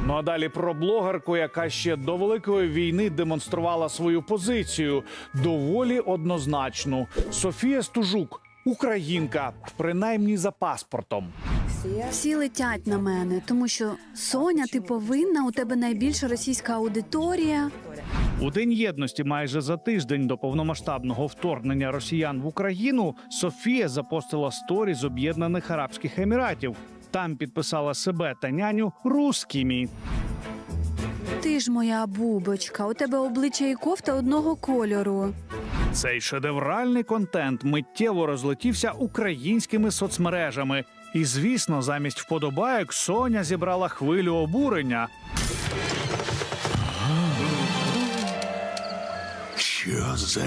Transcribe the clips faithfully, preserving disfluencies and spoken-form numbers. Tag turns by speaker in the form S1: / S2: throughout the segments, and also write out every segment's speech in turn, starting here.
S1: Ну а далі про блогерку, яка ще до Великої війни демонструвала свою позицію. Доволі однозначну. Софія Стужук – українка, принаймні за паспортом.
S2: Всі летять на мене, тому що Соня, ти повинна, у тебе найбільша російська аудиторія.
S1: У День єдності майже за тиждень до повномасштабного вторгнення росіян в Україну Софія запостила сторі з Об'єднаних Арабських Еміратів. Там підписала себе та няню русскими.
S2: Ти ж моя бубочка, у тебе обличчя і кофта одного кольору.
S1: Цей шедевральний контент миттєво розлетівся українськими соцмережами. І, звісно, замість вподобайок Соня зібрала хвилю обурення.
S3: Що за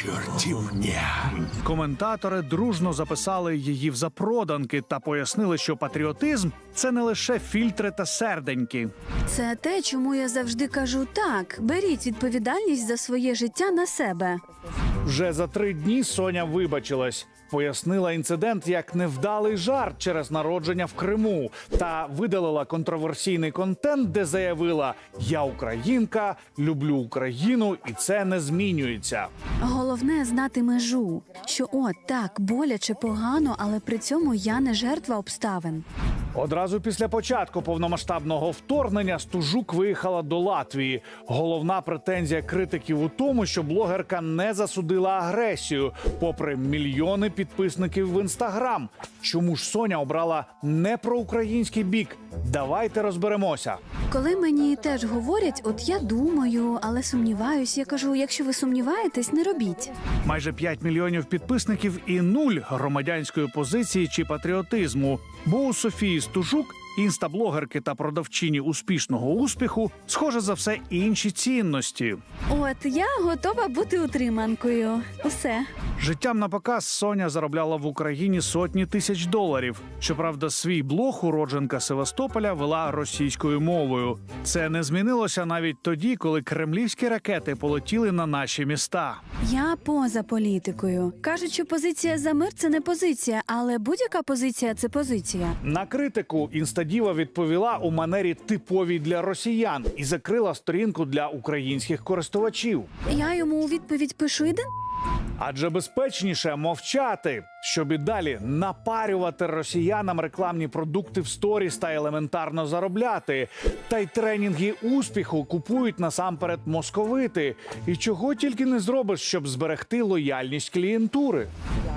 S3: чортівня?
S1: Коментатори дружно записали її в запроданки та пояснили, що патріотизм – це не лише фільтри та серденьки.
S2: Це те, чому я завжди кажу так, беріть відповідальність за своє життя на себе.
S1: Вже за три дні Соня вибачилась. Пояснила інцидент як невдалий жарт через народження в Криму та видалила контроверсійний контент, де заявила «Я українка, люблю Україну і це не змінюється».
S2: Головне знати межу, що от так, боляче, погано, але при цьому я не жертва обставин.
S1: Одразу після початку повномасштабного вторгнення Стужук виїхала до Латвії. Головна претензія критиків у тому, що блогерка не засудила агресію, попри мільйони підписників в Інстаграм. Чому ж Соня обрала не проукраїнський бік? Давайте розберемося.
S2: Коли мені теж говорять, от я думаю, але сумніваюсь, я кажу, якщо ви сумніваєтесь, не робіть.
S1: Майже п'ять мільйонів підписників і нуль громадянської позиції чи патріотизму. Бо у Софії Стужук, інстаблогерки та продавчині успішного успіху, схоже за все інші цінності.
S2: От я готова бути утриманкою. Усе.
S1: Життям на показ Соня заробляла в Україні сотні тисяч доларів. Щоправда, свій блог уродженка Севастополя вела російською мовою. Це не змінилося навіть тоді, коли кремлівські ракети полетіли на наші міста.
S2: Я поза політикою. Кажуть, що позиція за мир – це не позиція, але будь-яка позиція – це позиція.
S1: На критику інстадіва відповіла у манері типовій для росіян і закрила сторінку для українських користувачів.
S2: Я йому у відповідь пишу «Іди».
S1: Адже безпечніше мовчати, щоб і далі напарювати росіянам рекламні продукти в сторіс та елементарно заробляти. Та й тренінги успіху купують насамперед московити. І чого тільки не зробиш, щоб зберегти лояльність клієнтури.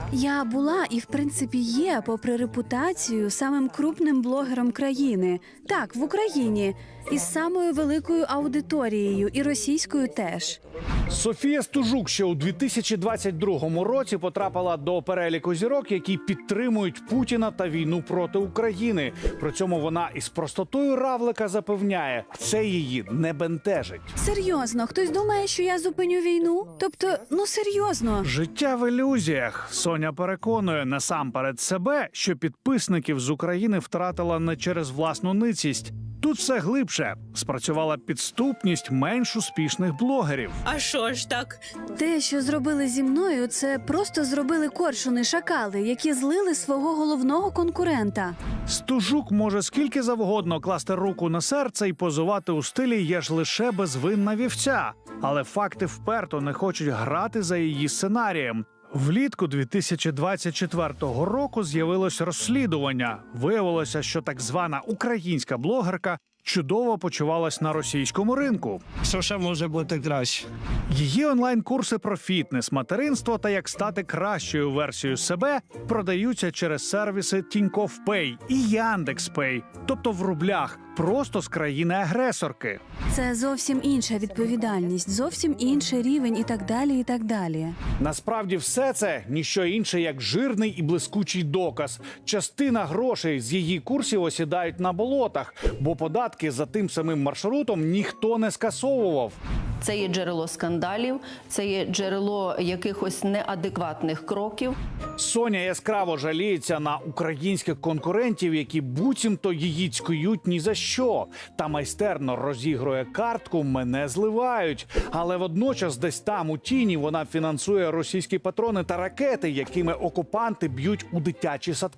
S2: Я була і, в принципі, є, попри репутацію, самим крупним блогером країни. Так, в Україні. Із самою великою аудиторією, і російською теж.
S1: Софія Стужук ще у дві тисячі двадцять другому році потрапила до переліку зірок, які підтримують Путіна та війну проти України. При цьому вона із простотою равлика запевняє, це її не бентежить.
S2: Серйозно, хтось думає, що я зупиню війну? Тобто, ну серйозно.
S1: Життя в ілюзіях. Соня переконує насамперед себе, що підписників з України втратила не через власну ницість. Тут все глибше. Спрацювала підступність менш успішних блогерів.
S4: А що ж так?
S2: Те, що зробили зі мною, це просто зробили коршуни-шакали, які злили свого головного конкурента.
S1: Стужук може скільки завгодно класти руку на серце і позувати у стилі «я ж лише безвинна вівця». Але факти вперто не хочуть грати за її сценарієм. Влітку дві тисячі двадцять четвертого року з'явилось розслідування. Виявилося, що так звана українська блогерка чудово почувалась на російському ринку.
S5: Що ще може бути краще?
S1: Її онлайн-курси про фітнес, материнство та як стати кращою версією себе продаються через сервіси Тінькофф Пей і Яндекс Пей, тобто в рублях, просто з країни-агресорки.
S2: Це зовсім інша відповідальність, зовсім інший рівень і так далі, і так далі.
S1: Насправді все це – ніщо інше, як жирний і блискучий доказ. Частина грошей з її курсів осідають на болотах, бо податки за тим самим маршрутом ніхто не скасовував.
S6: Це є джерело скандалів, це є джерело якихось неадекватних кроків.
S1: Соня яскраво жаліється на українських конкурентів, які буцімто її цькують ні за що. Та майстерно розігрує картку «мене зливають». Але водночас десь там у тіні вона фінансує російські патрони та ракети, якими окупанти б'ють у дитячі садки.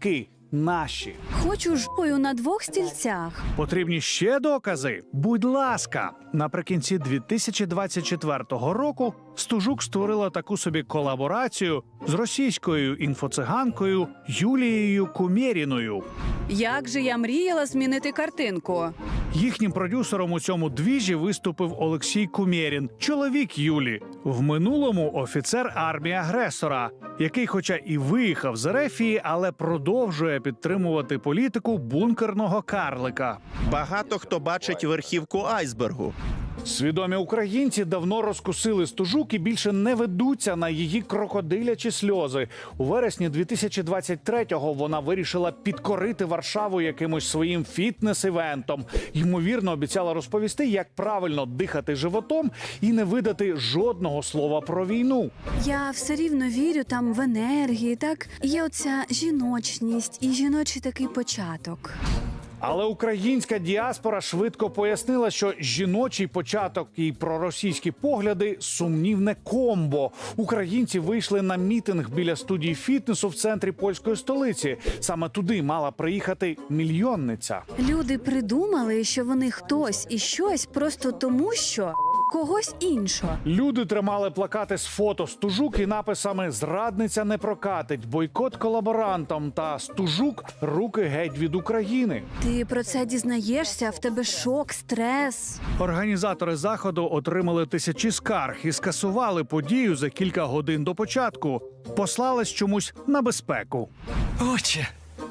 S1: наші.
S2: Хочу жопою на двох стільцях.
S1: Потрібні ще докази? Будь ласка. Наприкінці дві тисячі двадцять четвертого року Стужук створила таку собі колаборацію з російською інфоциганкою Юлією Кумєріною.
S2: Як же я мріяла змінити картинку.
S1: Їхнім продюсером у цьому двіжі виступив Олексій Кумєрін, чоловік Юлі, в минулому офіцер армії агресора, який хоча і виїхав з Ерефії, але продовжує підтримувати політику бункерного карлика.
S4: Багато хто бачить верхівку айсбергу.
S1: Свідомі українці давно розкусили Стужук і більше не ведуться на її крокодилячі сльози. У вересні дві тисячі двадцять третього вона вирішила підкорити Варшаву якимось своїм фітнес-івентом. Ймовірно, обіцяла розповісти, як правильно дихати животом і не видати жодного слова про війну.
S2: Я все рівно вірю там в енергії, так? Є оця жіночність і жіночий такий початок.
S1: Але українська діаспора швидко пояснила, що жіночий початок і проросійські погляди – сумнівне комбо. Українці вийшли на мітинг біля студії фітнесу в центрі польської столиці. Саме туди мала приїхати мільйонниця.
S2: Люди придумали, що вони хтось і щось просто тому, що когось іншого.
S1: Люди тримали плакати з фото Стужук і написами «Зрадниця не прокатить», «Бойкот колаборантам» та «Стужук – руки геть від України».
S2: Ти про це дізнаєшся, в тебе шок, стрес.
S1: Організатори заходу отримали тисячі скарг і скасували подію за кілька годин до початку. Послались чомусь на безпеку.
S5: Отче.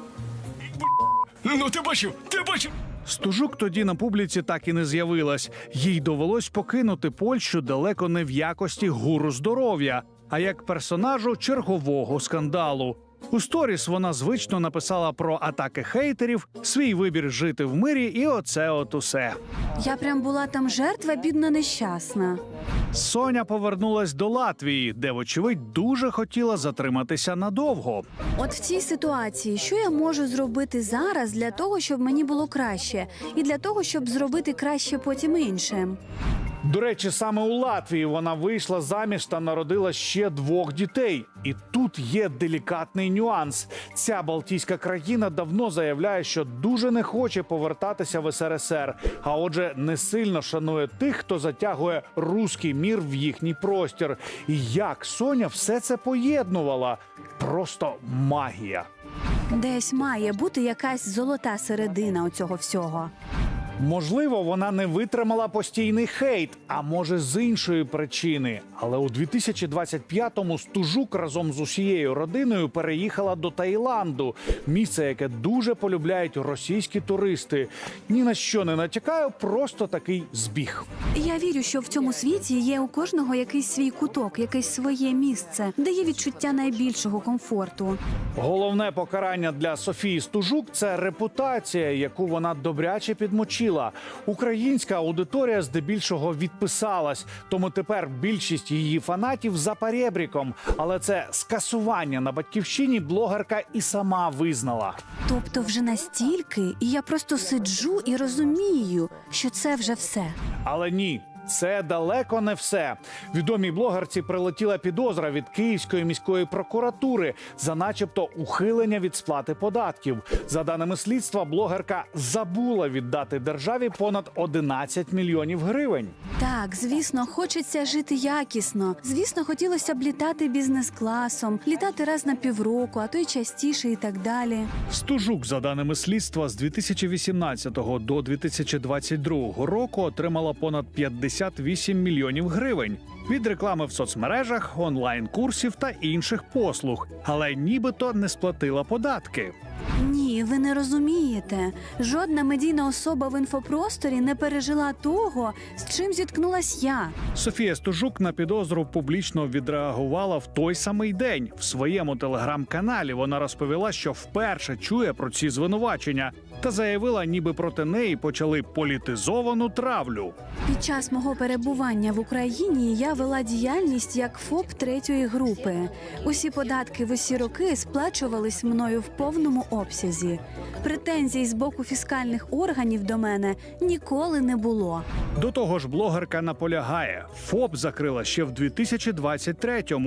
S5: Ну ти бачив, ти бачив.
S1: Стужук тоді на публіці так і не з'явилась. Їй довелось покинути Польщу далеко не в якості гуру здоров'я, а як персонажу чергового скандалу. У сторіс вона звично написала про атаки хейтерів, свій вибір жити в мирі і оце от усе.
S2: Я прям була там жертва, бідна нещасна.
S1: Соня повернулась до Латвії, де, вочевидь, дуже хотіла затриматися надовго.
S2: От в цій ситуації, що я можу зробити зараз для того, щоб мені було краще, і для того, щоб зробити краще потім іншим?
S1: До речі, саме у Латвії вона вийшла заміж та народила ще двох дітей. І тут є делікатний нюанс. Ця балтійська країна давно заявляє, що дуже не хоче повертатися в ес ер ес ер, а отже, не сильно шанує тих, хто затягує руський мір в їхній простір. І як Соня все це поєднувала? Просто магія.
S2: Десь має бути якась золота середина у цього всього.
S1: Можливо, вона не витримала постійний хейт, а може з іншої причини. Але у дві тисячі двадцять п'ятому Стужук разом з усією родиною переїхала до Таїланду. Місце, яке дуже полюбляють російські туристи. Ні на що не натякаю, просто такий збіг.
S2: Я вірю, що в цьому світі є у кожного якийсь свій куток, якесь своє місце, де є відчуття найбільшого комфорту.
S1: Головне покарання для Софії Стужук – це репутація, яку вона добряче підмочила. Українська аудиторія здебільшого відписалась, тому тепер більшість її фанатів за перебріком. Але це скасування на батьківщині блогерка і сама визнала.
S2: Тобто вже настільки, і я просто сиджу і розумію, що це вже все.
S1: Але ні. Це далеко не все. Відомій блогерці прилетіла підозра від Київської міської прокуратури за начебто ухилення від сплати податків. За даними слідства, блогерка забула віддати державі понад одинадцять мільйонів гривень.
S2: Так, звісно, хочеться жити якісно. Звісно, хотілося б літати бізнес-класом, літати раз на півроку, а то й частіше і так далі.
S1: Стужук, за даними слідства, з дві тисячі вісімнадцятого до дві тисячі двадцять другого року отримала понад п'ятдесят вісім мільйонів гривень від реклами в соцмережах, онлайн-курсів та інших послуг, але нібито не сплатила податки.
S2: Ні, ви не розумієте. Жодна медійна особа в інфопросторі не пережила того, з чим зіткнулась я.
S1: Софія Стужук на підозру публічно відреагувала в той самий день. В своєму телеграм-каналі вона розповіла, що вперше чує про ці звинувачення та заявила, ніби проти неї почали політизовану травлю.
S2: Під час мого перебування в Україні я вела діяльність як ФОП третьої групи. Усі податки в усі роки сплачувались мною в повному обсязі. Претензій з боку фіскальних органів до мене ніколи не було.
S1: До того ж, блогерка наполягає, ФОП закрила ще в дві тисячі двадцять третьому,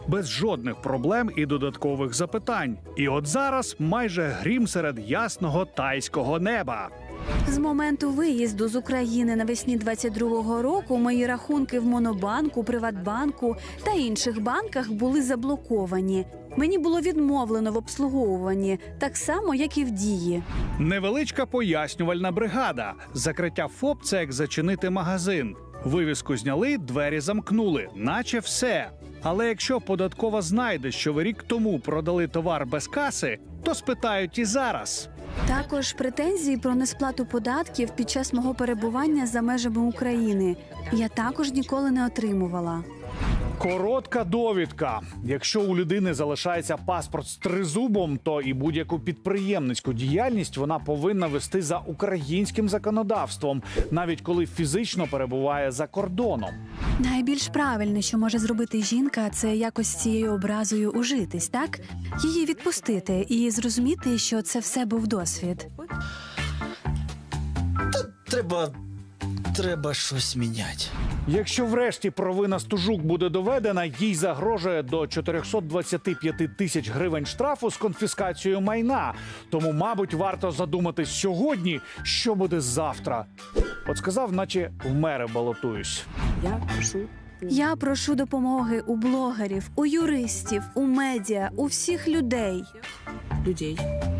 S1: без жодних проблем і додаткових запитань. І от зараз майже грім серед ясного тайського неба.
S2: З моменту виїзду з України навесні двадцять другого року мої рахунки в Монобанку, Приватбанку та інших банках були заблоковані. Мені було відмовлено в обслуговуванні, так само, як і в Дії.
S1: Невеличка пояснювальна бригада. Закриття ФОП – це як зачинити магазин. Вивіску зняли, двері замкнули, наче все. Але якщо податкова знайде, що ви рік тому продали товар без каси, то спитають і зараз.
S2: Також претензії про несплату податків під час мого перебування за межами України я також ніколи не отримувала.
S1: Коротка довідка. Якщо у людини залишається паспорт з тризубом, то і будь-яку підприємницьку діяльність вона повинна вести за українським законодавством, навіть коли фізично перебуває за кордоном.
S2: Найбільш правильне, що може зробити жінка, це якось з цією образою ужитись, так? Її відпустити і зрозуміти, що це все був досвід.
S5: Треба. Треба щось міняти.
S1: Якщо врешті провина Стужук буде доведена, їй загрожує до чотириста двадцять п'ять тисяч гривень штрафу з конфіскацією майна. Тому, мабуть, варто задуматись сьогодні, що буде завтра. От сказав, наче в мери балотуюсь.
S2: Я прошу допомоги у блогерів, у юристів, у медіа, у всіх людей.
S7: людей.